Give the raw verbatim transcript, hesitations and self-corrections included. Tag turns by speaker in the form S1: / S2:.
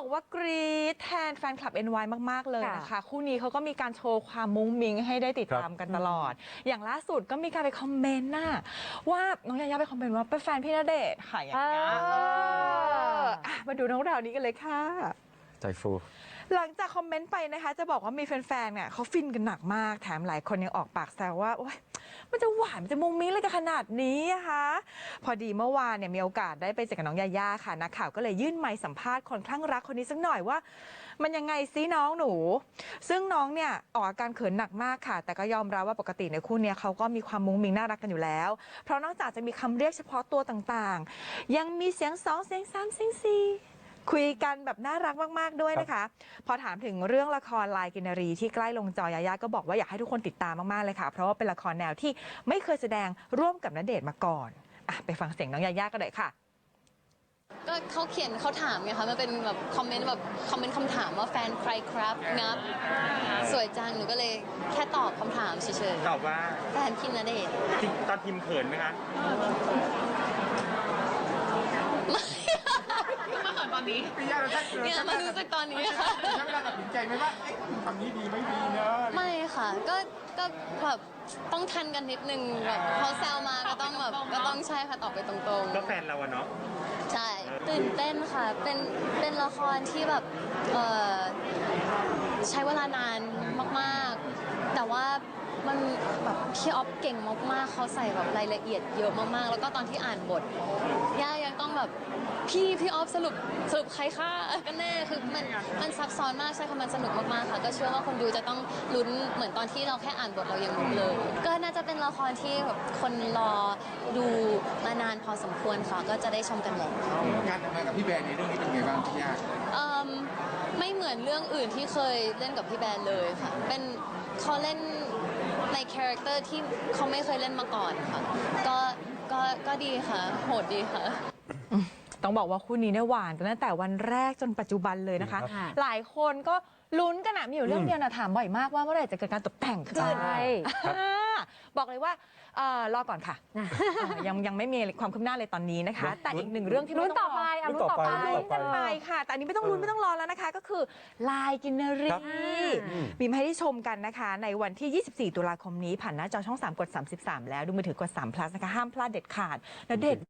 S1: บอกว่ากรี๊ดแทนแฟนคลับ เอ็น วาย มากๆเลยนะคะคู่นี้เขาก็มีการโชว์ความมุ้งมิ้งให้ได้ติดตามกันตลอดอย่างล่าสุดก็มีการไปคอมเมนต์น่ะว่าน้องยายาไปคอมเมนต์ว่าเป็นแฟนพี่ณเดชน์ค่ะอย่างเงี้ยมาดูน้องราวนี้กันเลยค่ะ
S2: ใจฟู
S1: หลังจากคอมเมนต์ไปนะคะจะบอกว่ามีแฟนๆเนี่ยเขาฟินกันหนักมากแถมหลายคนยังออกปากแซวว่าโอ๊ยมันจะหวานมันจะมุ้งมิ้งอะไรกันขนาดนี้นะคะพอดีเมื่อวานเนี่ยมีโอกาสได้ไปเจอกับน้องยาย่าค่ะนักข่าวก็เลยยื่นไมค์สัมภาษณ์คนคลั่งรักคนนี้สักหน่อยว่ามันยังไงซิน้องหนูซึ่งน้องเนี่ยออกอาการเขินหนักมากค่ะแต่ก็ยอมรับว่าปกติในคู่นี้เขาก็มีความมุ้งมิ้งน่ารักกันอยู่แล้วเพราะนอกจากจะมีคำเรียกเฉพาะตัวต่างๆยังมีเสียงสองเสียงสามเสียงสี่คุยกันแบบน่ารักมากๆด้วยนะคะพอถามถึงเรื่องละครลายกินรีที่ใกล้ลงจอยายาก็บอกว่าอยากให้ทุกคนติดตามมากๆเลยค่ะเพราะว่าเป็นละครแนวที่ไม่เคยแสดงร่วมกับณเดชน์มาก่อนอ่ะไปฟังเสียงน้องยายากันเลยค่ะ
S3: ก็เขาเขียนเขาถามไงคะมันเป็นแบบคอมเมนต์แบบคอมเมนต์คำถามว่าแฟนใครครับงับสวยจังหนูก็เลยแค่ตอบคำถามเฉย
S4: ๆตอบว่า
S3: แฟนพี่ณเดชน์
S4: ตอนพิมพ์เขินไหมคะ
S3: มาเขินตอนนี้เนี่ยมารู้สึกตอนนี้ค่ะ
S4: ใช้เวลาตัดสินใจไหมว่าคำนี้ดีไม่ดีเนอะ
S3: ไม่ค่ะก็ก็แบบต้องทันกันนิดนึงแบบเขาแซวมาก็ต้องแบบก็ต้องใช่ค่ะตอบไปตรงๆ
S4: ก็แฟนเราอะเนาะ
S3: ใช่ตื่นเต้นค่ะเป็นเป็นละครที่แบบเอ่อใช้เวลานานมากๆแต่ว่ามันแบบพี่ออฟเก่งมากๆเขาใส่แบบรายละเอียดเยอะมากๆแล้วก็ตอนที่อ่านบทย่ายังต้องแบบพี่พี่ออฟสรุปสรุปใครฆ่ากันแน่คือมันมันซับซ้อนมากใช่ค่ะมันสนุกมากๆค่ะก็เชื่อว่าคนดูจะต้องลุ้นเหมือนตอนที่เราแค่อ่านบทเรายังลุ้นเลยก็น่าจะเป็นละครที่แบบคนรอดูมานานพอสมควรค่ะก็จะได้ชมกันแล้ว
S4: การทำงานกับพี่แบร์ในเรื่องนี้เป็นไงบ้างพี่ย่า
S3: ไม่เหมือนเรื่องอื่นที่เคยเล่นกับพี่แบร์เลยค่ะเป็นเขาเล่นในคาแรคเตอร์ที่เขาไม่เคยเล่นมาก่อนค่ะก็ก็ก็ดีค่ะโหดดีค่ะ
S1: ต้องบอกว่าคู่นี้เนี่ยหวานกันตั้งแต่วันแรกจนปัจจุบันเลยนะคะหลายคนก็ลุ้นกันอะมีอยู่เรื่องเดียวนะถามบ่อยมากว่าเมื่อไหร่จะเกิดการตกแต่งขึ้นบอกเลยว่ารอก่อนค่ะยังยังไม่มีความคืบหน้าเลยตอนนี้นะคะแต่อีกหนึ่งเรื่องที่
S5: ลุ้นต่อไปลุ้นต่อไป
S1: ลุ้นกันไปค่ะแต่อันนี้ไม่ต้องลุ้นไม่ต้องรอแล้วนะคะก็คือลายกินรีมีมาให้ได้ชมกันนะคะในวันที่ยี่สิบสี่ตุลาคมนี้ผ่านหน้าจอช่องสามกดสามสิบสามแล้วดูมือถือกดสาม plus นะคะห้ามพลาดเด็ดขาดณเดชน์